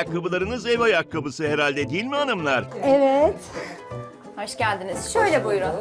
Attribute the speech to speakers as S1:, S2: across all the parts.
S1: ayakkabılarınız ev ayakkabısı herhalde değil mi hanımlar?
S2: Evet.
S3: Hoş geldiniz. Şöyle buyurun.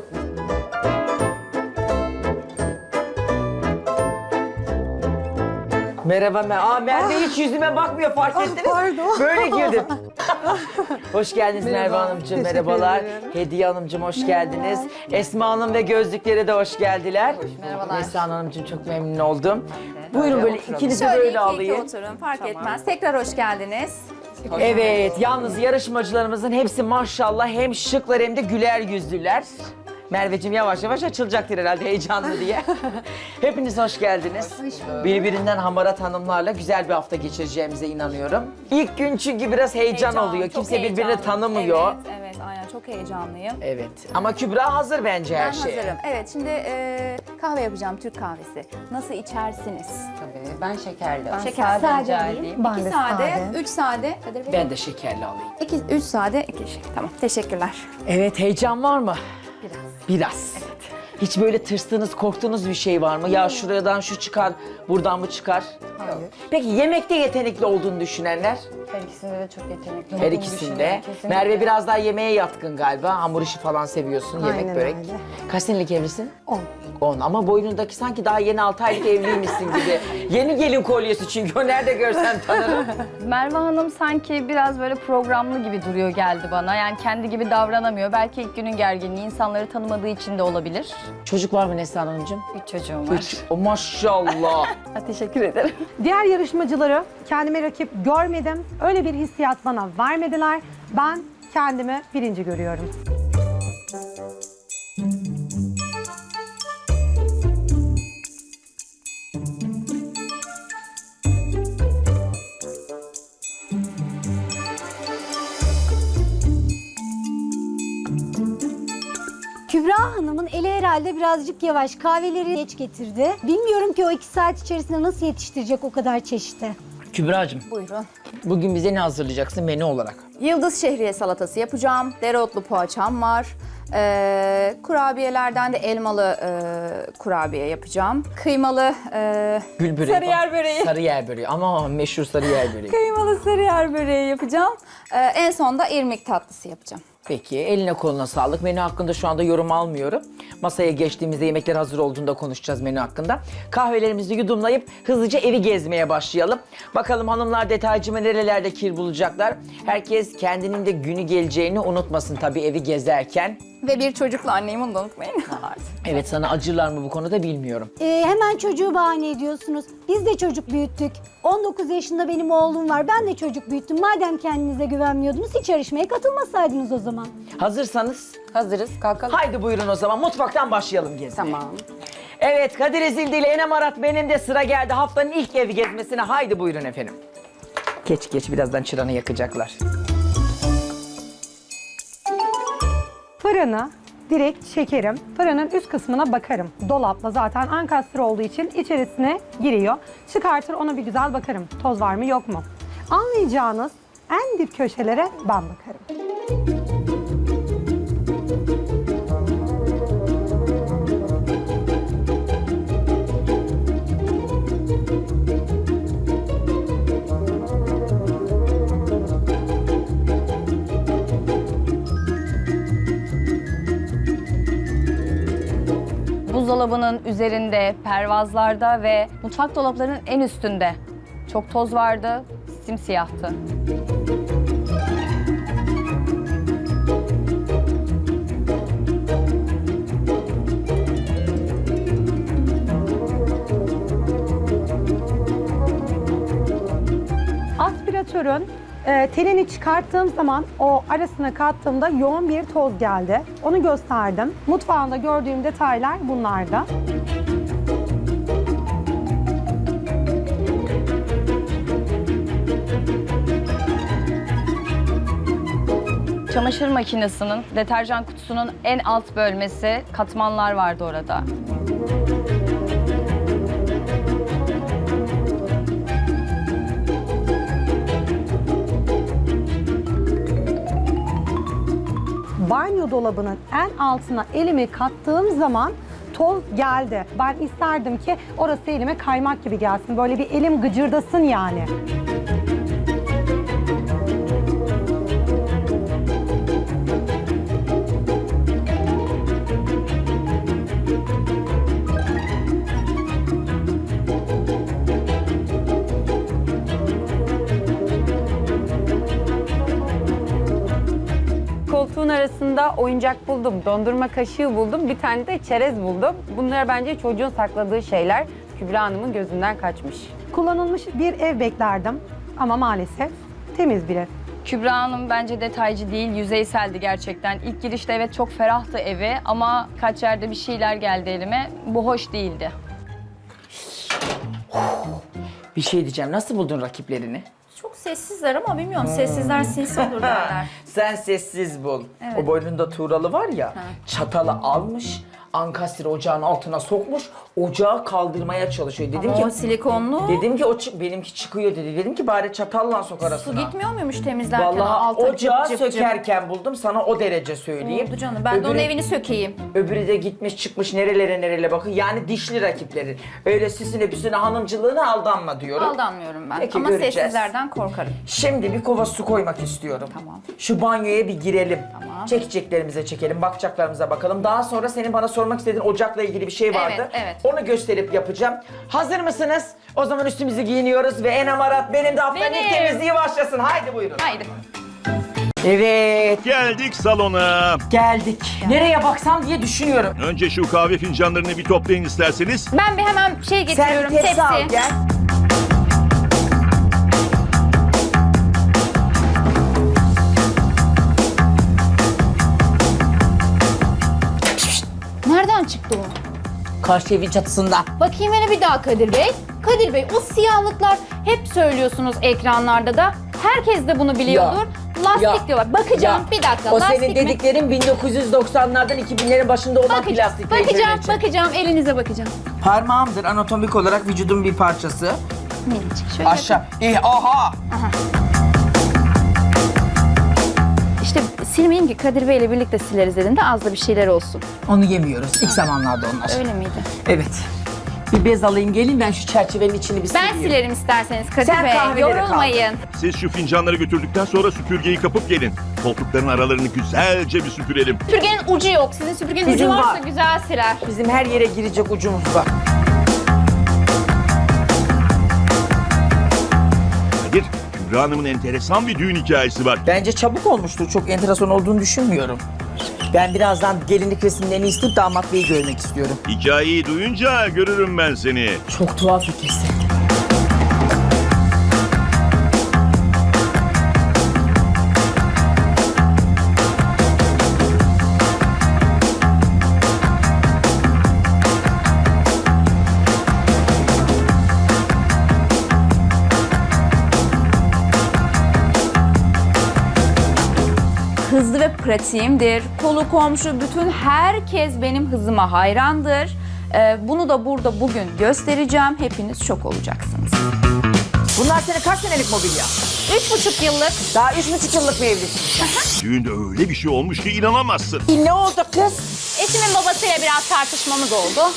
S4: Merhaba. Merve hiç yüzüme bakmıyor, fark ettiniz.
S2: Pardon.
S4: Böyle girdim. Hoş geldiniz Merve Hanımcığım, merhabalar. Hediye Hanımcığım hoş geldiniz. Esma Hanım ve gözlükleri de hoş geldiler.
S3: Merhabalar.
S4: Neslihan Hanımcığım çok memnun oldum. Buyurun böyle ikinizi
S3: Şöyle
S4: böyle
S3: iki
S4: alayım.
S3: oturun fark etmez. Tekrar hoş geldiniz.
S4: Evet, yalnız yarışmacılarımızın hepsi maşallah hem şıklar hem de güler yüzlüler. Merveciğim yavaş yavaş açılacaktır herhalde heyecanlı diye. Hepiniz hoş geldiniz. Birbirinden hamarat hanımlarla güzel bir hafta geçireceğimize inanıyorum. İlk gün çünkü biraz heyecan oluyor.
S3: çok
S4: Kimse birbirini
S3: heyecanlıyım.
S4: tanımıyor.
S3: Evet, evet aynen çok heyecanlıyım.
S4: Evet. Ama Kübra hazır bence her
S3: Ben
S4: şeye.
S3: hazırım. Evet şimdi kahve yapacağım, Türk kahvesi. Nasıl içersiniz?
S5: Tabii. Ben şekerli.
S3: Şeker
S5: rica edeyim.
S2: Ben
S3: 2
S2: de
S3: sade, 3 sade. Kadir Bey?
S4: Ben de şekerli alayım.
S3: 3 sade, 2 şey. Tamam, teşekkürler.
S4: Evet, heyecan var mı? Biraz. Evet. Hiç böyle tırstığınız, korktuğunuz bir şey var mı? Ya şuradan şu çıkar, buradan mı çıkar?
S5: Hayır.
S4: Peki yemekte yetenekli olduğunu düşünenler?
S5: Her ikisinde de çok yetenekli.
S4: Her
S5: olduğumu
S4: ikisinde.
S5: düşünüyorum, kesinlikle.
S4: Merve biraz daha yemeğe yatkın galiba. Hamur işi falan seviyorsun, yemek
S2: Aynen
S4: börek.
S2: öyle.
S4: Kaç senelik evlisin?
S2: 10.
S4: 10 ama boynundaki sanki daha yeni 6 aylık evliymişsin gibi. Yeni gelin kolyesi çünkü o nerede görsem tanırım.
S6: Merve Hanım sanki biraz böyle programlı gibi duruyor geldi bana. Yani kendi gibi davranamıyor. Belki ilk günün gerginliği insanları tanımadığı için de olabilir.
S4: Çocuk var mı Neslihan Hanımcığım?
S6: 3 çocuğum var.
S4: 3. O maşallah.
S6: Teşekkür ederim.
S2: Diğer yarışmacıları kendime rakip görmedim. Öyle bir hissiyat bana vermediler. Ben kendimi birinci görüyorum.
S7: Kübra Hanım'ın eli herhalde birazcık yavaş. Kahveleri geç getirdi. Bilmiyorum ki o 2 saat içerisinde nasıl yetiştirecek o kadar çeşidi.
S4: Kübra'cığım
S3: Buyurun.
S4: bugün bize ne hazırlayacaksın menü olarak?
S3: Yıldız şehriye salatası yapacağım. Dereotlu poğaçam var. Kurabiyelerden de elmalı kurabiye yapacağım. Kıymalı
S4: Gül böreği.
S3: sarıyer böreği.
S4: Sarıyer böreği ama meşhur sarıyer böreği.
S3: Kıymalı sarıyer böreği yapacağım. En son da irmik tatlısı yapacağım.
S4: Peki eline koluna sağlık. Menü hakkında şu anda yorum almıyorum. Masaya geçtiğimizde yemekler hazır olduğunda konuşacağız menü hakkında. Kahvelerimizi yudumlayıp hızlıca evi gezmeye başlayalım. Bakalım hanımlar detaycıma nerelerde kir bulacaklar. Herkes kendinin de günü geleceğini unutmasın tabii evi gezerken.
S3: Ve bir çocukla anneyim onu da unutmayın.
S4: Evet sana acırlar mı bu konuda bilmiyorum.
S7: Hemen çocuğu bahane ediyorsunuz. Biz de çocuk büyüttük. 19 yaşında benim oğlum var. Ben de çocuk büyüttüm. Madem kendinize güvenmiyordunuz hiç yarışmaya katılmasaydınız o zaman.
S4: Hazırsanız
S5: Hazırız. Kalkalım.
S4: haydi buyurun o zaman mutfaktan başlayalım gezmeye.
S5: Tamam.
S4: Evet Kadir Ezildi ile Enem Arat benim de sıra geldi haftanın ilk evi gezmesine. Haydi buyurun efendim. Geç birazdan çıranı yakacaklar.
S2: Fırını direkt çekerim. Fırının üst kısmına bakarım. Dolapla zaten ankastre olduğu için içerisine giriyor. Çıkartır ona bir güzel bakarım. Toz var mı yok mu? Anlayacağınız en dip köşelere ben bakarım.
S6: Buzdolabının üzerinde, pervazlarda ve mutfak dolaplarının en üstünde çok toz vardı, simsiyahtı.
S2: Aspiratörün telini çıkarttığım zaman o arasına kattığımda yoğun bir toz geldi. Onu gösterdim. Mutfağında gördüğüm detaylar bunlardı.
S6: Çamaşır makinesinin, deterjan kutusunun en alt bölmesi, katmanlar vardı orada.
S2: Banyo dolabının en altına elimi kattığım zaman toz geldi. Ben isterdim ki orası elime kaymak gibi gelsin. Böyle bir elim gıcırdasın yani.
S5: Yanında oyuncak buldum, dondurma kaşığı buldum, bir tane de çerez buldum. Bunlar bence çocuğun sakladığı şeyler. Kübra Hanım'ın gözünden kaçmış.
S2: Kullanılmış bir ev beklerdim ama maalesef temiz bir ev.
S6: Kübra Hanım bence detaycı değil, yüzeyseldi gerçekten. İlk girişte evet çok ferahtı evi ama kaç yerde bir şeyler geldi elime. Bu hoş değildi.
S4: Bir şey diyeceğim. Nasıl buldun rakiplerini?
S3: Çok sessizler ama bilmiyorum sessizler sinsi olur derler.
S4: Sen sessiz bul. O boynunda tuğralı var ya, çatalı almış, ankastre ocağın altına sokmuş, ocağı kaldırmaya çalışıyor. Dedim
S3: Ama o
S4: ki,
S3: silikonlu
S4: benimki çıkıyor dedi. Dedim ki bari çatalla sok
S3: su
S4: arasına.
S3: gitmiyor muymuş temizlerken?
S4: Vallahi
S3: Alta
S4: ocağı
S3: cıp cıp cıp.
S4: sökerken buldum, sana o derece söyleyeyim.
S3: Oldu canım. Ben de onun evini sökeyim.
S4: Öbürü de gitmiş çıkmış nerelere bakın. Yani dişli rakiplerin. Öyle süsüne püsüne hanımcılığına aldanma diyorum.
S3: Aldanmıyorum ben.
S4: Peki,
S3: Ama
S4: göreceğiz.
S3: sessizlerden korkarım.
S4: Şimdi bir kova su koymak istiyorum.
S3: Tamam.
S4: Şu banyoya bir girelim.
S3: Tamam.
S4: Çekeceklerimize çekelim, bakacaklarımıza bakalım. Daha sonra senin bana sormak istediğin ocakla ilgili bir şey vardı.
S3: Evet.
S4: Onu gösterip yapacağım. Hazır mısınız? O zaman üstümüzü giyiniyoruz ve en amarat benim de haftanın ilk temizliği başlasın. Haydi buyurun.
S3: Haydi.
S4: Evet,
S1: Geldik salona.
S4: geldik. Nereye baksam diye düşünüyorum.
S1: Önce şu kahve fincanlarını bir toplayın isterseniz.
S3: Ben bir hemen şey
S4: Sen
S3: getiriyorum.
S4: bir tepsi al
S3: Tepsi.
S4: gel.
S3: Nereden çıktı o?
S4: Karşı evin çatısında.
S3: Bakayım hele bir daha Kadir Bey. Kadir Bey o siyahlıklar hep söylüyorsunuz ekranlarda da. Herkes de bunu biliyordur. Lastik
S4: ya,
S3: diyorlar. Bakacağım
S4: ya.
S3: bir dakika.
S4: O
S3: lastik
S4: senin
S3: mi?
S4: dediklerin 1990'lardan 2000'lerin başında olan plastik.
S3: Bakacağım. Elinize bakacağım.
S4: Parmağımdır anatomik olarak vücudun bir parçası.
S3: Minicik şöyle.
S4: Aşağı. Aha!
S3: İşte silmeyeyim ki Kadir Bey ile birlikte sileriz dedim de az da bir şeyler olsun.
S4: Onu yemiyoruz. İlk zamanlarda onlar.
S3: Öyle miydi?
S4: Evet. Bir bez alayım geleyim ben şu çerçevenin içini bir
S3: Ben
S4: sileyim.
S3: silerim isterseniz Kadir
S4: Sen
S3: Bey.
S4: kahveleri
S3: Yorulmayın.
S1: Siz şu fincanları götürdükten sonra süpürgeyi kapıp gelin. Koltukların aralarını güzelce bir süpürelim.
S3: Süpürgenin ucu yok. Sizin süpürgenin
S4: Bizim
S3: ucu varsa
S4: var.
S3: güzel siler.
S4: Bizim her yere girecek ucumuz var.
S1: Kadir, Kübra Hanım'ın enteresan bir düğün hikayesi var.
S4: Bence çabuk olmuştur. Çok enteresan olduğunu düşünmüyorum. Ben birazdan gelinlik resimlerini isteyip damat beyi görmek istiyorum.
S1: Hikayeyi duyunca görürüm ben seni.
S4: Çok tuhaf ötesi.
S3: Hızlı ve pratiğimdir. Kolu komşu bütün herkes benim hızıma hayrandır. Bunu da burada bugün göstereceğim. Hepiniz şok olacaksınız.
S4: Bunlar senin kaç senelik mobilya?
S3: 3,5 yıllık.
S4: Daha 3,5 yıllık mı evlisin?
S1: Düğünde öyle bir şey olmuş ki inanamazsın.
S4: Ne oldu kız?
S3: Eşimin babasıyla biraz tartışmamız oldu.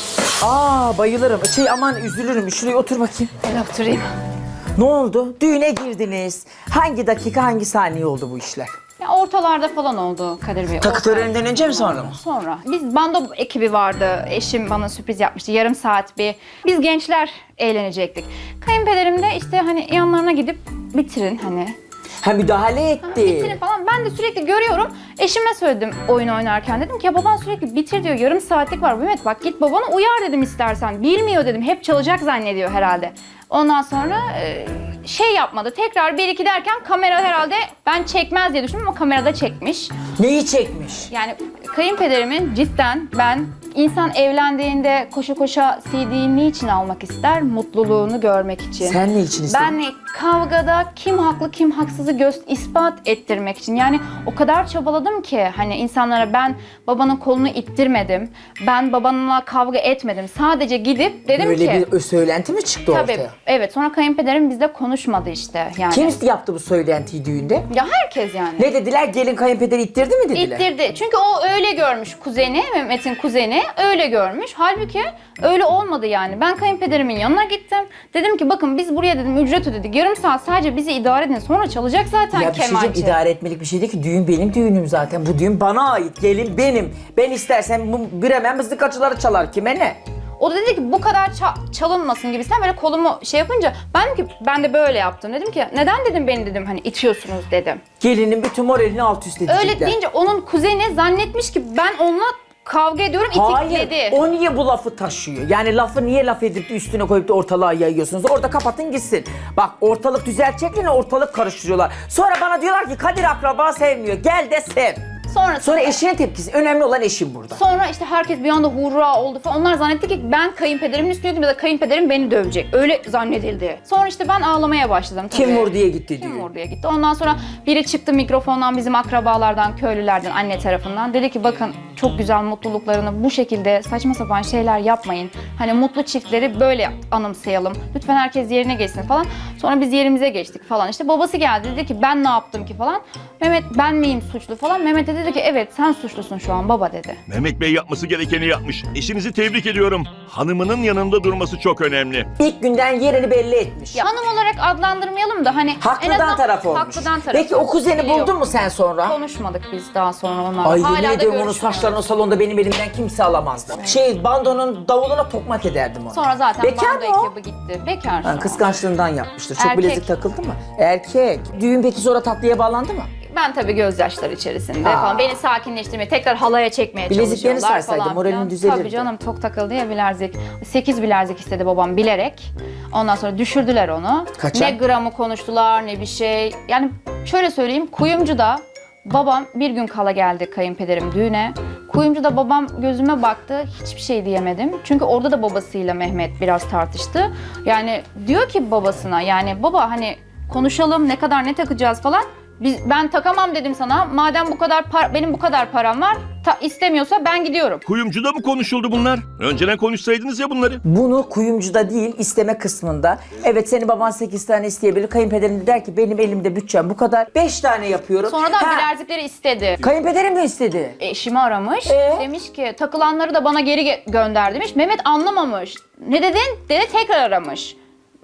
S4: Aa bayılırım. Aman üzülürüm. Şuraya otur bakayım.
S3: Ben oturayım.
S4: Ne oldu? Düğüne girdiniz. Hangi dakika, hangi saniye oldu bu işler?
S3: Ya ortalarda falan oldu Kadir Bey.
S4: Takı töreninden önce mi sonra mı?
S3: Sonra. Biz bando ekibi vardı. Eşim bana sürpriz yapmıştı. Yarım saat bir. Biz gençler eğlenecektik. Kayınpederim de işte hani yanlarına gidip bitirin hani.
S4: Ha müdahale etti.
S3: Bitirin falan. Ben de sürekli görüyorum. Eşime söyledim oyun oynarken. Dedim ki ya baban sürekli bitir diyor. Yarım saatlik var. Mehmet bak git babana uyar dedim istersen. Bilmiyor dedim. Hep çalacak zannediyor herhalde. Ondan sonra şey yapmadı. Tekrar 1-2 derken kamera herhalde ben çekmez diye düşündüm ama kamerada çekmiş.
S4: Neyi çekmiş?
S3: Yani kayınpederimin cidden ben insan evlendiğinde koşa koşa CD'yi niçin almak ister? Mutluluğunu görmek için.
S4: Sen ne için istedin?
S3: Ben kavgada kim haklı kim haksızı ispat ettirmek için. Yani o kadar çabaladım ki hani insanlara ben babanın kolunu ittirmedim. Ben babanla kavga etmedim. Sadece gidip dedim
S4: Böyle
S3: ki.
S4: bir söylenti mi çıktı
S3: Tabii
S4: ortaya?
S3: evet sonra kayınpederim bizle konuşmadı işte yani.
S4: Kim yaptı bu söylentiyi düğünde?
S3: Ya herkes yani.
S4: Ne dediler? Gelin kayınpederi ittirdi mi dediler?
S3: İttirdi. Çünkü o öyle görmüş kuzeni, Mehmet'in kuzeni öyle görmüş. Halbuki öyle olmadı yani. Ben kayınpederimin yanına gittim. Dedim ki bakın biz buraya dedim ücret ödedik. Yarım saat sadece bizi idare edin. Sonra çalacak zaten
S4: Ya bir şey
S3: kemançı.
S4: diyeyim, idare etmelik bir şey değil ki. Düğün benim düğünüm zaten. Bu düğün bana ait. Gelin benim. Ben istersem bu Bremen mızıkacıları çalar. Kime ne?
S3: O da dedi ki bu kadar çalınmasın gibisinden böyle kolumu şey yapınca ben dedim ki ben de böyle yaptım. Dedim ki neden dedim beni dedim hani itiyorsunuz dedim.
S4: Gelinin bütün moralini alt üst edecekler.
S3: Öyle deyince onun kuzeni zannetmiş ki ben onunla kavga ediyorum, itikledi.
S4: Hayır, o niye bu lafı taşıyor? Yani lafı niye laf edip de üstüne koyup da ortalığa yayıyorsunuz? Orada kapatın gitsin. Bak ortalık düzelteceklerine ortalık karıştırıyorlar. Sonra bana diyorlar ki Kadir akraba sevmiyor. Gel de sev. Sonra eşinin tepkisi. Önemli olan eşim burada.
S3: Sonra işte herkes bir anda hurra oldu falan. Onlar zannetti ki ben kayınpederimin üstündeydim ya da kayınpederim beni dövecek. Öyle zannedildi. Sonra işte ben ağlamaya başladım. Tabii.
S4: Kim vur diye gitti diyor.
S3: Kim vur diye gitti. Ondan sonra biri çıktı mikrofondan bizim akrabalardan, köylülerden, anne tarafından. Dedi ki bakın çok güzel mutluluklarını bu şekilde saçma sapan şeyler yapmayın. Hani mutlu çiftleri böyle anımsayalım. Lütfen herkes yerine geçsin falan. Sonra biz yerimize geçtik falan. İşte babası geldi dedi ki ben ne yaptım ki falan. Mehmet ben miyim suçlu falan. Mehmet de dedi ki evet sen suçlusun şu an baba dedi.
S1: Mehmet Bey yapması gerekeni yapmış. Eşinizi tebrik ediyorum. Hanımının yanında durması çok önemli.
S4: İlk günden yerini belli etmiş.
S3: Ya, hanım olarak adlandırmayalım da hani en
S4: Haklıdan
S3: azından
S4: taraf olmuş.
S3: haklıdan taraf.
S4: Peki o kuzeni
S3: Biliyor.
S4: buldun mu sen sonra?
S3: Konuşmadık biz daha sonra onlarla.
S4: Ay
S3: Hala
S4: yemin
S3: da
S4: ediyorum onun
S3: görüşmüyoruz.
S4: saçlarını o salonda benim elimden kimse alamazdı. Bandonun davuluna tokmak ederdim onu.
S3: Sonra zaten
S4: Bekar
S3: bando
S4: mı o?
S3: ekibi gitti. Bekar şu
S4: Ha,
S3: an.
S4: kıskançlığından yapmıştır. Çok
S3: Erkek.
S4: bilezik takıldı mı? Erkek. Düğün peki sonra tatlıya bağlandı mı?
S3: Ben tabii gözyaşları içerisinde falan. Beni sakinleştirmeye, tekrar halaya çekmeye
S4: Bileziklerini
S3: çalışıyorlar
S4: sarsaydı,
S3: falan.
S4: moralin
S3: filan.
S4: düzelirdi.
S3: Tabii canım çok takıldı ya bilezik. 8 bilezik istedi babam bilerek. Ondan sonra düşürdüler onu.
S4: Kaça?
S3: Ne gramı konuştular ne bir şey. Yani şöyle söyleyeyim Kuyumcu'da babam bir gün kala geldi kayınpederim düğüne. Kuyumcu'da babam gözüme baktı hiçbir şey diyemedim. Çünkü orada da babasıyla Mehmet biraz tartıştı. Yani diyor ki babasına yani baba hani konuşalım ne kadar ne takacağız falan. Ben takamam dedim sana. Madem bu kadar benim bu kadar param var, istemiyorsa ben gidiyorum.
S1: Kuyumcuda mı konuşuldu bunlar? Önceden konuşsaydınız ya bunları.
S4: Bunu kuyumcuda değil isteme kısmında. Evet senin baban 8 tane isteyebilir. Kayınpederin de der ki benim elimde bütçem bu kadar. 5 tane yapıyorum.
S3: Sonradan
S4: Ha,
S3: bilezikleri istedi.
S4: Kayınpederim de istedi.
S3: Eşimi aramış.
S4: Ee?
S3: Demiş ki takılanları da bana geri gönder demiş. Mehmet anlamamış. Ne dedin? Dedi tekrar aramış.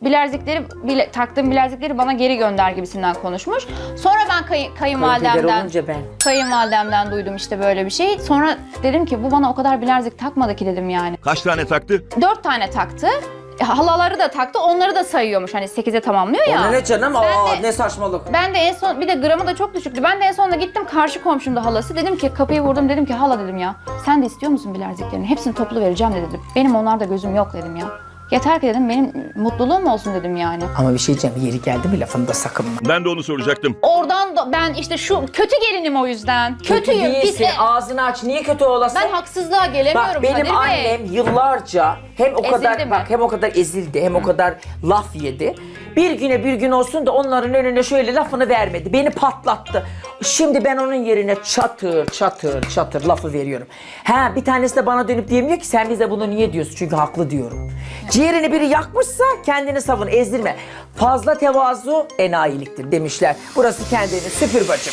S3: Taktığım bilezikleri bana geri gönder gibisinden konuşmuş. Sonra ben
S4: Kayınpeder olunca ben.
S3: kayınvalidemden duydum işte böyle bir şey. Sonra dedim ki bu bana o kadar bilezik takmadı ki dedim yani.
S1: Kaç tane taktı?
S3: 4 tane taktı. Halaları da taktı. Onları da sayıyormuş. Hani 8'e tamamlıyor ya.
S4: Ona ne canım?
S3: Ben
S4: Aa
S3: de-
S4: ne saçmalık.
S3: Ben de en son bir de gramı da çok düşüktü. Ben de en sonunda gittim karşı komşumda halası. Dedim ki kapıyı vurdum dedim ki hala dedim ya. Sen de istiyor musun bileziklerini? Hepsini toplu vereceğim de dedim. Benim onlarda gözüm yok dedim ya. Yeter ki dedim benim mutluluğum olsun dedim yani.
S4: Ama bir şey diyeceğim yeri geldi mi lafını da sakınma.
S1: Ben de onu soracaktım.
S3: Oradan da ben işte şu kötü gelinim o yüzden. Kötüyüm.
S4: değilsin. Ağzını aç. Niye kötü olasın?
S3: Ben haksızlığa gelemiyorum
S4: Bak benim
S3: Kadir Bey.
S4: annem yıllarca hem o kadar
S3: Ezildi mi?
S4: bak hem o kadar ezildi hem o kadar laf yedi. Bir güne bir gün olsun da onların önüne şöyle lafını vermedi. Beni patlattı. Şimdi ben onun yerine çatır çatır çatır lafı veriyorum. Ha bir tanesi de bana dönüp diyemiyor ki sen bize bunu niye diyorsun? Çünkü haklı diyorum. Ciğerini biri yakmışsa kendini savun, ezdirme. Fazla tevazu enayiliktir demişler. Burası kendini süpür bacım.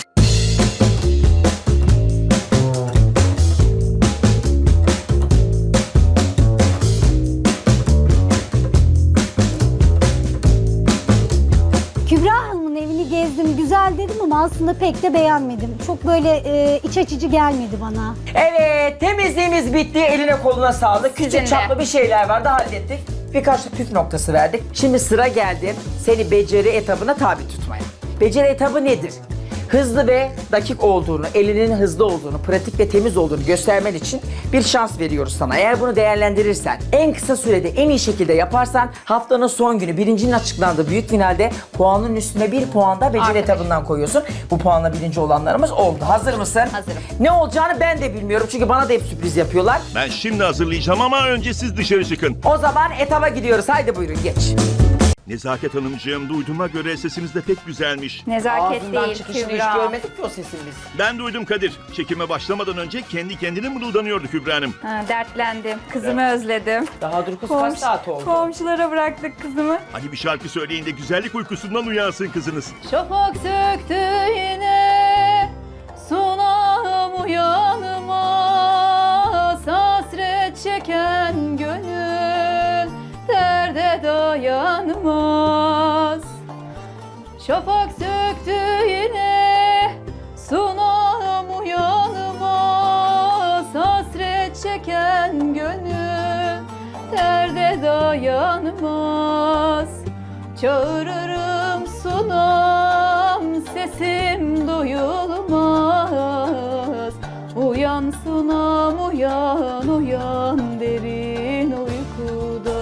S7: Kübra Hanım'ın evini gezdim, güzel dedim ama aslında pek de beğenmedim. Çok böyle iç açıcı gelmedi bana.
S4: Evet, temizliğimiz bitti. Eline koluna sağlık.
S3: Sizin
S4: Küçük
S3: de.
S4: çaplı bir şeyler vardı, hallettik. Birkaç da püf noktası verdik. Şimdi sıra geldi seni beceri etabına tabi tutmaya. Beceri etabı nedir? Hızlı ve dakik olduğunu, elinin hızlı olduğunu, pratik ve temiz olduğunu göstermen için bir şans veriyoruz sana. Eğer bunu değerlendirirsen, en kısa sürede en iyi şekilde yaparsan haftanın son günü birincinin açıklandığı büyük finalde puanın üstüne bir puan da beceri
S3: Artık.
S4: etabından koyuyorsun. Bu puanla birinci olanlarımız oldu. Hazır mısın?
S3: Hazırım.
S4: Ne olacağını ben de bilmiyorum çünkü bana da hep sürpriz yapıyorlar.
S1: Ben şimdi hazırlayacağım ama önce siz dışarı çıkın.
S4: O zaman etaba gidiyoruz. Haydi buyurun geç.
S1: Nezaket Hanımcığım duyduğuma göre sesiniz de pek güzelmiş.
S3: Nezaket
S4: Ağzından
S3: değil
S4: çıkışını hiç
S3: Kübra.
S4: görmedik ki o sesini biz.
S1: Ben duydum Kadir. Çekime başlamadan önce kendi kendine mırıldanıyordu Kübra Hanım.
S3: Ha, dertlendim. Kızımı özledim.
S4: Daha dur kız kaç saat oldu?
S3: Komşulara bıraktık kızımı.
S1: Hadi bir şarkı söyleyin de güzellik uykusundan uyansın kızınız.
S3: Şafak söktü yine sunağım uyanmaz hasret çeken gönül derde dayanmaz. Şafak söktü yine sunağım uyanmaz hasret çeken gönül dayanmaz. Çağırırım sunam, sesim duyulmaz. Uyan sunam, uyan, uyan derin uykuda.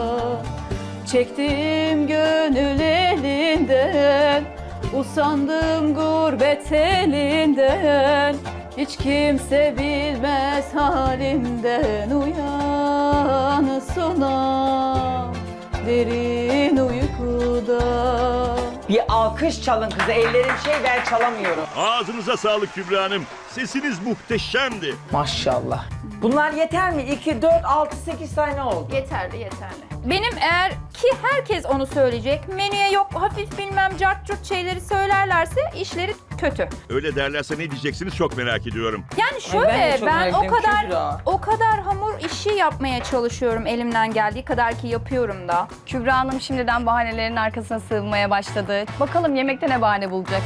S3: Çektim gönül elinden, usandım gurbet elinden. Hiç kimse bilmez halimden. Uyan sunam, derin uykuda.
S4: Bir alkış çalın kıza. Ellerim ben çalamıyorum.
S1: Ağzınıza sağlık Kübra Hanım. Sesiniz muhteşemdi.
S4: Maşallah. Bunlar yeter mi? 2, 4, 6, 8 tane oldu.
S3: Yeterli, yeterli. Benim eğer ki herkes onu söyleyecek, menüye yok hafif bilmem cart curt şeyleri söylerlerse işleri kötü.
S1: Öyle derlerse ne diyeceksiniz çok merak ediyorum.
S3: Yani
S4: ben de
S3: şöyle
S4: çok
S3: ben
S4: merak ediyorum Kübra.
S3: o kadar hamur işi yapmaya çalışıyorum elimden geldiği kadar ki yapıyorum da.
S6: Kübra Hanım şimdiden bahanelerin arkasına sığınmaya başladı. Bakalım yemekte ne bahane bulacak?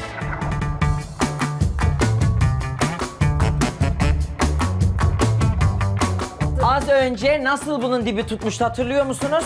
S4: Az önce nasıl bunun dibi tutmuştu hatırlıyor musunuz?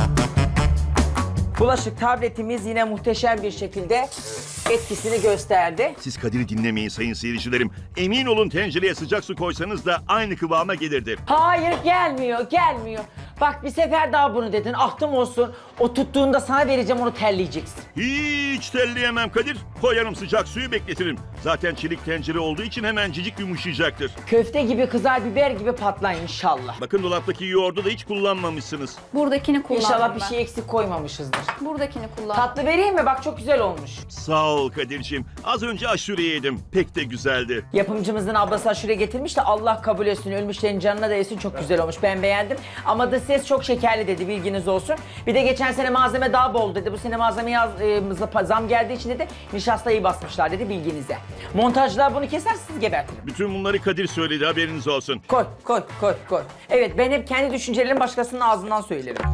S4: Bulaşık tabletimiz yine muhteşem bir şekilde etkisini gösterdi.
S1: Siz Kadir'i dinlemeyin sayın seyircilerim. Emin olun tencereye sıcak su koysanız da aynı kıvama gelirdi.
S4: Hayır gelmiyor. Bak bir sefer daha bunu dedin. Aklım olsun. O tuttuğunda sana vereceğim onu terleyeceksin.
S1: Hiç telleyemem Kadir. Koyarım sıcak suyu bekletirim. Zaten çelik tencere olduğu için hemencik yumuşayacaktır.
S4: Köfte gibi kızar biber gibi patlar inşallah.
S1: Bakın dolaptaki yoğurdu da hiç kullanmamışsınız.
S3: Buradakini kullandım
S4: İnşallah bir
S3: ben.
S4: şey eksik koymamışızdır.
S3: Buradakini kullandım.
S4: Tatlı vereyim mi? Bak çok güzel olmuş.
S1: Sağ ol Kadir'ciğim. Az önce aşure yedim. Pek de güzeldi.
S4: Yapımcımızın ablası aşure getirmiş de Allah kabul etsin. Ölmüşlerin canına değsin. Çok güzel olmuş. Ben beğendim. Ama da ses çok şekerli dedi. Bilginiz olsun. Bir de geçen sene malzeme daha bol dedi. Bu sene malzemeye zam geldiği için dedi nişastayı basmışlar dedi bilginize. Montajlar bunu keser siz gebertirim.
S1: Bütün bunları Kadir söyledi haberiniz olsun.
S4: Koy. Evet ben hep kendi düşüncelerimi başkasının ağzından söylerim.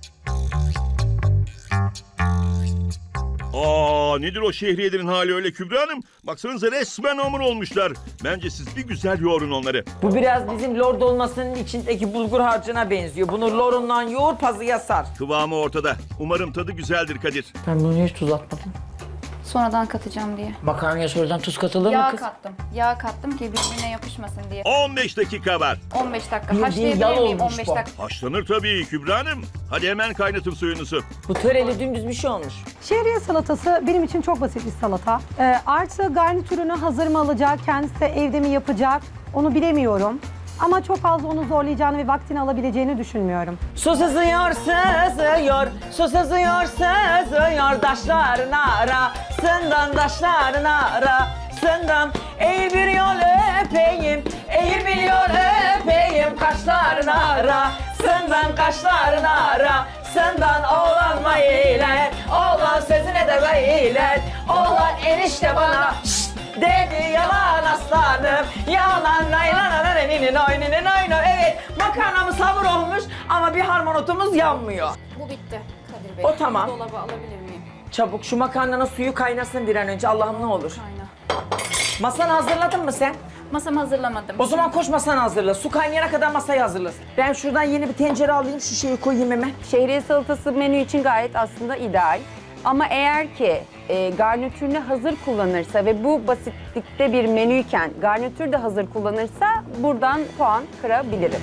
S1: Nedir o şehriyelerin hali öyle Kübra Hanım? Baksanıza resmen hamur olmuşlar. Bence siz bir güzel yoğurun onları.
S4: Bu biraz bizim lor dolmasının içindeki bulgur harcına benziyor. Bunu lorundan yoğur pazıya sar.
S1: Kıvamı ortada. Umarım tadı güzeldir Kadir.
S4: Ben bunu hiç tuz atmadım.
S3: Sonradan katacağım diye.
S4: Makarnaya sonradan tuz katılır mı
S3: Yağ
S4: kız?
S3: kattım. Yağ kattım ki birbirine yapışmasın diye.
S1: 15 dakika var.
S3: 15 dakika.
S4: Bildiğin
S3: Haşlayabilir
S4: yağ
S3: miyim
S4: olmuş
S3: 15
S4: bu.
S3: dakika?
S1: Haşlanır tabii Kübra Hanım. Hadi hemen kaynatın suyunuzu.
S4: Bu töreli dümdüz bir şey olmuş.
S2: Şehriye salatası benim için çok basit bir salata. Artı garnitürünü hazır mı alacak, kendisi de evde mi yapacak onu bilemiyorum. Ama çok fazla onu zorlayacağını ve vaktini alabileceğini düşünmüyorum.
S4: Su sızıyor, su sızıyor daşların arasından, daşların arasından. Eğil bir yol öpeyim, eğil bir yol öpeyim kaşların arasından, kaşların arasından. Oğlan mailer, oğlan sözüne de beyler, oğlan enişte bana şşt dedi yalan aslanım, yalan naylan eninin oyninin oyunu. Evet makarnamız hamur olmuş ama bir harmonotumuz yanmıyor.
S3: Bu bitti Kadir Bey.
S4: O tamam.
S3: Dolaba alabilir miyim?
S4: Çabuk şu makarnanın suyu kaynasın bir an önce Allah'ım ne olur.
S3: Aynen.
S4: Masanı hazırladın mı sen?
S3: Masamı hazırlamadım.
S4: O zaman koş masanı hazırla. Su kaynayana kadar masayı hazırlasın. Ben şuradan yeni bir tencere alayım şu şeyi koyayım hemen.
S5: Şehriye salatası menü için gayet aslında ideal. Ama eğer ki garnitürünü hazır kullanırsa ve bu basitlikte bir menüyken garnitür de hazır kullanırsa buradan puan kırabilirim.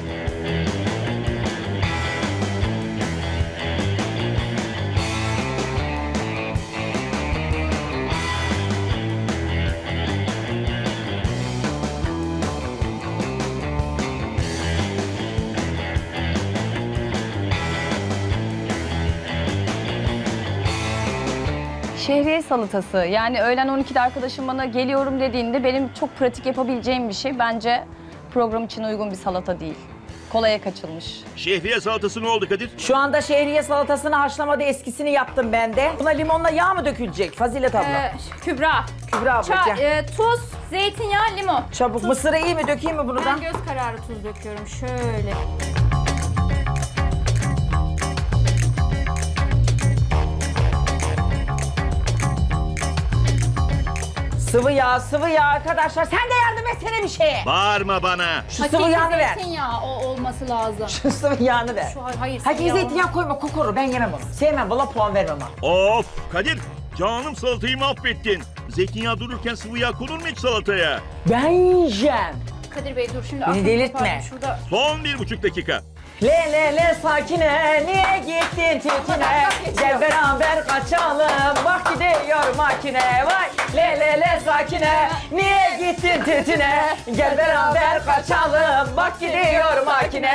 S6: Şehriye salatası. Yani öğlen 12'de arkadaşım bana geliyorum dediğinde benim çok pratik yapabileceğim bir şey. Bence program için uygun bir salata değil. Kolaya kaçılmış.
S1: Şehriye salatası ne oldu Kadir?
S4: Şu anda şehriye salatasını haşlamadı eskisini yaptım ben de. Buna limonla yağ mı dökülecek Fazilet abla?
S3: Kübra.
S4: Kübra abla gel.
S3: Tuz, zeytinyağı, limon.
S4: Çabuk mısırı iyi mi dökeyim mi bunu da?
S3: Ben göz kararı tuz döküyorum. Şöyle.
S4: Sıvı yağ arkadaşlar. Sen de yardım etsene bir şeye.
S1: Bağırma bana.
S4: Şu sıvı yağını ver.
S3: Zeytinyağı o olmadı. olması lazım.
S4: Şu sıvı yağını ver.
S3: Hayır.
S4: Hadi zeytinyağı koyma kokoru ben yemem onu. Sevmem valla puan vermem ha.
S1: Of Kadir, canım salatayı mahvettin. Zeytinyağı dururken sıvı yağ konur mu hiç salataya?
S4: Ben yiyeceğim.
S3: Kadir Bey dur şimdi.
S4: Beni
S3: aklımı
S4: delirtme.
S3: toparlayayım. Şurada
S1: Son 1,5 dakika.
S4: Le sakine niye gittin tütüne? Gel beraber kaçalım bak gidiyor makine. Vay le sakine niye gittin tütüne? Gel beraber kaçalım bak gidiyor makine.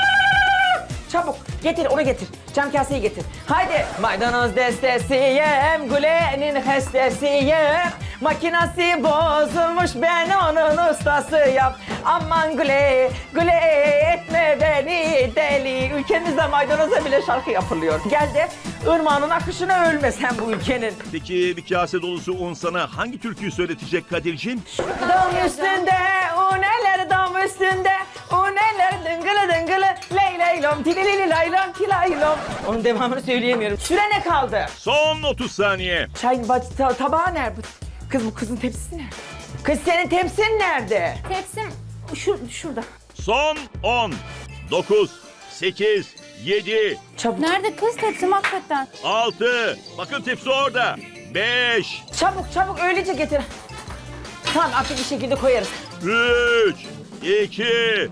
S4: Çabuk getir onu getir. Cam kaseyi getir. Haydi. Maydanoz destesiyim, Güle'nin hestesiyim. Makinası bozulmuş ben onun ustasıyım. Aman Güle, Güle etme beni deli. Ülkemizde maydanoza bile şarkı yapılıyor. Gel de ırmağının akışına ölme sen bu ülkenin.
S1: Peki bir kase dolusu un sana hangi türküyü söyletecek Kadir'cim?
S4: Dam üstünde, uneler dam üstünde. Uneler dıngılı dıngılı, ley leylom, tililili laylom, tilaylom. Onun devamını söyleyemiyorum. Süre ne kaldı?
S1: Son 30 saniye.
S4: Çayın tabağı nerede? Kız bu kızın tepsisi nerede? Kız senin tepsin nerede?
S3: tepsim şurada.
S1: Son 10, 9, 8, 7,
S4: Çabuk.
S3: Nerede kız tepsim hakikaten?
S1: 6, bakın tepsi orada. 5,
S4: Çabuk öylece getir. Tamam artık bir şekilde koyarız.
S1: 3, 2,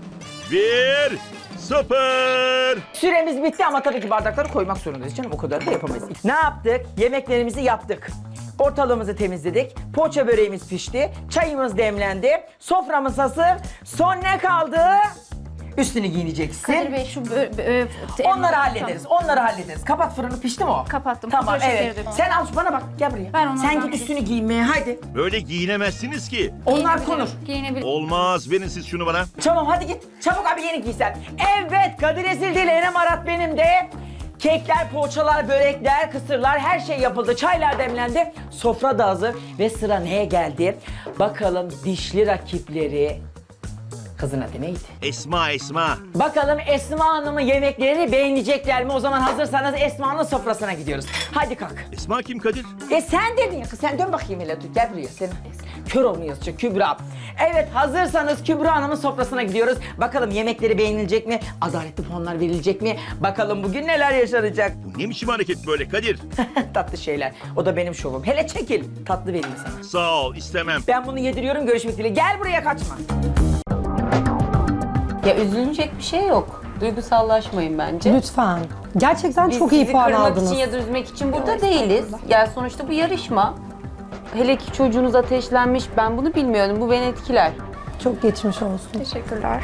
S1: 1, 0.
S4: Süremiz bitti ama tabii ki bardakları koymak zorundayız canım. O kadar da yapamayız. Ne yaptık? Yemeklerimizi yaptık. Ortalığımızı temizledik. Poğaça böreğimiz pişti. Çayımız demlendi. Soframız hazır. Son ne kaldı? Üstünü giyineceksin.
S3: Kadir Bey şu
S4: Onları hallederiz. Kapat fırını, pişti mi o?
S3: Kapattım.
S4: Tamam
S3: Pudra şekeri
S4: evet.
S3: döktüm.
S4: Sen al bana bak gel buraya.
S3: Ben onlardan
S4: Sen git
S3: bir-
S4: üstünü giymeye haydi.
S1: Böyle giyinemezsiniz ki.
S4: Onlar konur.
S3: Giyinebilirim.
S1: Olmaz, verin siz şunu bana.
S4: Tamam hadi git. Çabuk abi yeni giysen. Evet Kadir Ezil değil Enem Arat benim de. Kekler, poğaçalar, börekler, kısırlar her şey yapıldı. Çaylar demlendi. Sofra da hazır. Ve sıra neye geldi? Bakalım dişli rakipleri. Kızın adı neydi?
S1: Esma.
S4: Bakalım Esma Hanım'ın yemeklerini beğenecekler mi? O zaman hazırsanız Esma'nın sofrasına gidiyoruz. Hadi kalk.
S1: Esma kim Kadir?
S4: Sen dedin ya kız. Sen dön bakayım hele. Gel buraya. Sen kör olmuyorsun Kübra. Evet hazırsanız Kübra Hanım'ın sofrasına gidiyoruz. Bakalım yemekleri beğenilecek mi? Adaletli puanlar verilecek mi? Bakalım bugün neler yaşanacak?
S1: Bu ne biçim hareket böyle Kadir?
S4: Tatlı şeyler. O da benim şovum. Hele çekil. Tatlı vereyim sana.
S1: Sağ ol, istemem.
S4: Ben bunu yediriyorum. Görüşmek dileğiyle. Gel buraya kaçma.
S5: Ya üzülecek bir şey yok. Duygusallaşmayın bence.
S2: Lütfen. Gerçekten
S5: Biz
S2: çok iyi
S5: sizi
S2: puan
S5: kırmak
S2: aldınız.
S5: için ya da üzmek için burada değiliz. Yani sonuçta bu yarışma. Hele ki çocuğunuz ateşlenmiş. Ben bunu bilmiyordum. Bu beni etkiler.
S2: Çok geçmiş olsun.
S3: Teşekkürler.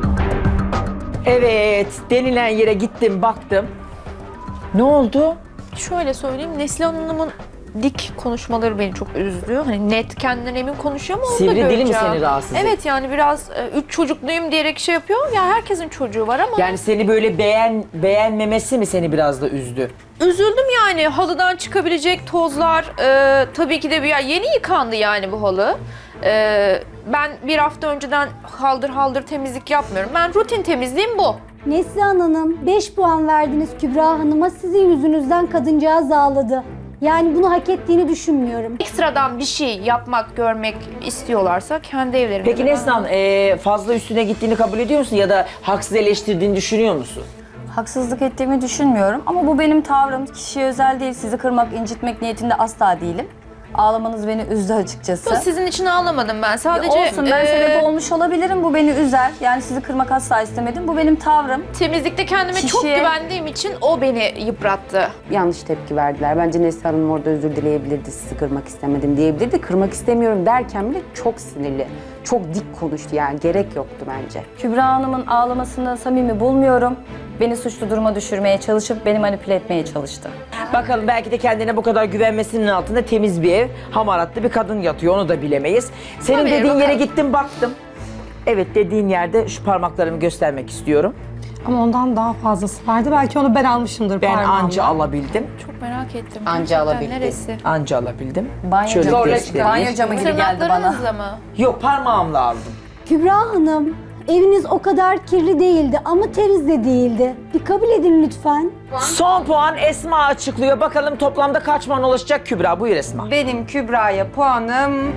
S4: Evet. Denilen yere gittim baktım. Ne oldu?
S8: Şöyle söyleyeyim, Neslihan Hanım'ın dik konuşmaları beni çok üzdü. Hani net, kendinden emin konuşuyor ama onu da
S4: Sivri dili mi
S8: göreceğim.
S4: seni rahatsız etti?
S8: Evet yani biraz 3 çocukluyum diyerek şey yapıyor. Ya herkesin çocuğu var ama
S4: Yani seni böyle beğenmemesi mi seni biraz da üzdü?
S8: üzüldüm yani. Halıdan çıkabilecek tozlar tabii ki de yeni yıkandı yani bu halı. Ben bir hafta önceden haldır temizlik yapmıyorum. Ben rutin temizliğim bu.
S7: Neslihan Hanım 5 puan verdiniz Kübra Hanım'a. Sizin yüzünüzden kadıncağız ağladı. Yani bunu hak ettiğini düşünmüyorum.
S8: Ekstradan bir şey yapmak, görmek istiyorlarsa kendi evlerinde.
S4: Peki Neslihan fazla üstüne gittiğini kabul ediyor musun ya da haksız eleştirdiğini düşünüyor musun?
S6: Haksızlık ettiğimi düşünmüyorum ama bu benim tavrım. Kişiye özel değil. Sizi kırmak, incitmek niyetinde asla değilim. Ağlamanız beni üzdü açıkçası.
S8: Sizin için ağlamadım ben. Sadece
S6: Olsun, ben sebep olmuş olabilirim. Bu beni üzer. Yani sizi kırmak asla istemedim. Bu benim tavrım.
S8: temizlikte kendime çok
S6: Kişiye-
S8: güvendiğim için o beni yıprattı.
S5: Yanlış tepki verdiler. Bence Neslihan Hanım orada özür dileyebilirdi. Sizi kırmak istemedim diyebilirdi. Kırmak istemiyorum derken bile çok sinirli. Çok dik konuştu yani. Gerek yoktu bence.
S6: Kübra Hanım'ın ağlamasını samimi bulmuyorum. Beni suçlu duruma düşürmeye çalışıp beni manipüle etmeye çalıştı.
S4: Bakalım belki de kendine bu kadar güvenmesinin altında temiz bir ev, hamaratlı bir kadın yatıyor onu da bilemeyiz. Senin
S8: Tabii,
S4: dediğin yere
S8: bakalım.
S4: gittim baktım. Evet dediğin yerde şu parmaklarımı göstermek istiyorum.
S2: Ama ondan daha fazlası vardı. Belki onu ben almışımdır
S4: Ben
S2: parmağımla.
S4: anca alabildim.
S8: Çok merak ettim.
S5: Anca
S8: Gerçekten
S5: alabildi.
S8: Neresi?
S4: Anca alabildim.
S6: Banyo
S4: Şöyle
S6: camı,
S4: göstereyim.
S6: banyo camı gibi geldi bana.
S8: Tırnaklarınızla mı?
S4: Yok parmağımla aldım.
S7: Kübra Hanım, eviniz o kadar kirli değildi ama temiz de değildi. Bir kabul edin lütfen.
S4: Son puan Esma açıklıyor. Bakalım toplamda kaç puan ulaşacak Kübra? Buyur Esma.
S5: Benim Kübra'ya puanım...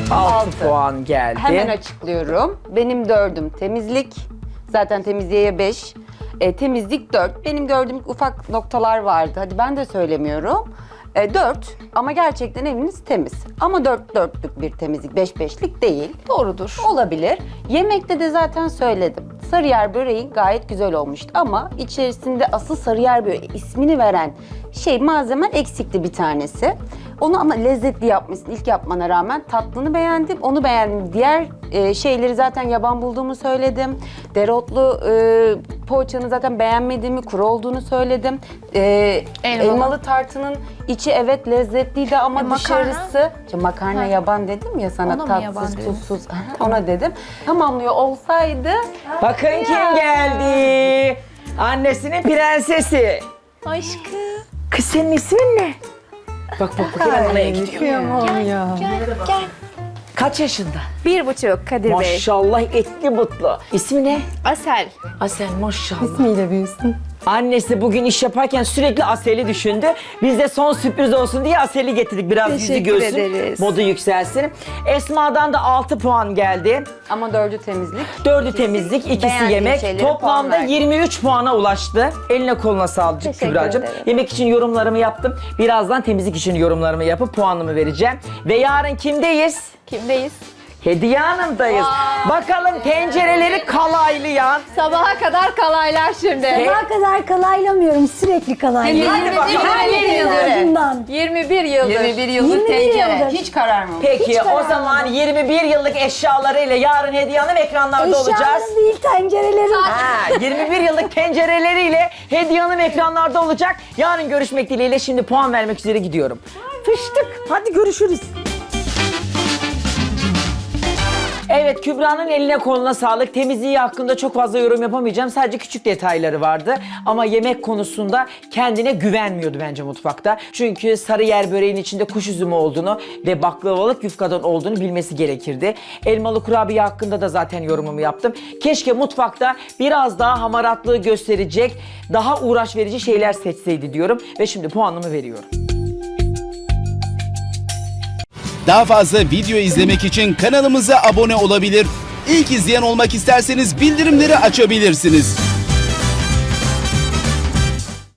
S4: 6 puan geldi.
S5: Hemen açıklıyorum. Benim 4'üm temizlik. Zaten temizliğe 5. Temizlik 4. Benim gördüğüm ufak noktalar vardı. Hadi ben de söylemiyorum. 4 ama gerçekten eviniz temiz. Ama 4-4'lük bir temizlik, 5-5'lik değil.
S8: Doğrudur.
S5: Olabilir. Yemekte de zaten söyledim. Sarıyer böreği gayet güzel olmuştu ama içerisinde asıl sarıyer böreği ismini veren malzemen eksikti bir tanesi. Onu ama lezzetli yapmışsın ilk yapmana rağmen. Tatlını beğendim, onu beğendim. Diğer şeyleri zaten yaban bulduğumu söyledim. Dereotlu poğaçanı zaten beğenmediğimi, kuru olduğunu söyledim. Elmalı tartının içi evet lezzetliydi ama
S8: makarna?
S5: dışarısı... Makarna yaban dedim ya sana,
S8: Ona mı yaban
S5: tatsız,
S8: dedin?
S5: tuzsuz. Ona dedim. Tamamlıyor olsaydı...
S4: Bakın kim geldi. Annesinin prensesi.
S8: Aşkım.
S4: Kız senin ismin ne? Bak oraya gidiyor.
S8: Gel.
S4: Kaç yaşında?
S8: 1,5 Kadir Bey.
S4: Maşallah etli butlu. İsmi ne?
S8: Asel.
S4: Asel maşallah.
S2: İsmiyle büyüsün.
S4: Annesi bugün iş yaparken sürekli Asel'i düşündü. Biz de son sürpriz olsun diye Asel'i getirdik. Biraz yüzü
S8: Teşekkür
S4: görsün,
S8: ederiz.
S4: modu yükselsin. Esma'dan da 6 puan geldi.
S5: Ama 4'ü temizlik.
S4: 4'ü temizlik, ikisi
S5: beğendiğim
S4: yemek.
S5: şeylere puan
S4: Toplamda
S5: verdim.
S4: 23 puana ulaştı. Eline koluna sağlık
S8: Teşekkür
S4: Kübra'cığım.
S8: ederim.
S4: Yemek için yorumlarımı yaptım. Birazdan temizlik için yorumlarımı yapıp puanımı vereceğim. Ve yarın kimdeyiz?
S8: Kimdeyiz?
S4: Hediye Hanım'dayız. Bakalım tencereleri kalaylayan.
S8: Sabaha kadar kalaylar şimdi.
S7: Sabaha kadar kalaylamıyorum, sürekli kalaylıyorum.
S4: Hadi bakalım.
S7: Ardından.
S8: 21 yıldır.
S5: 21 yıldır
S7: 21
S5: tencere.
S7: yıldır.
S5: Hiç kararmamış.
S4: Peki o zaman 21 yıllık eşyalarıyla yarın Hediye Hanım ekranlarda olacağız.
S7: Eşyalarım değil, tencerelerim.
S4: Ha, 21 yıllık tencereleriyle Hediye Hanım ekranlarda olacak. Yarın görüşmek dileğiyle şimdi puan vermek üzere gidiyorum. Fıştık. Hadi görüşürüz. Evet, Kübra'nın eline koluna sağlık. Temizliği hakkında çok fazla yorum yapamayacağım. Sadece küçük detayları vardı. Ama yemek konusunda kendine güvenmiyordu bence mutfakta. Çünkü Sarıyer böreğinin içinde kuş üzümü olduğunu ve baklavalık yufkadan olduğunu bilmesi gerekirdi. Elmalı kurabiye hakkında da zaten yorumumu yaptım. Keşke mutfakta biraz daha hamaratlığı gösterecek, daha uğraş verici şeyler seçseydi diyorum. Ve şimdi puanımı veriyorum.
S9: Daha fazla video izlemek için kanalımıza abone olabilir. İlk izleyen olmak isterseniz bildirimleri açabilirsiniz.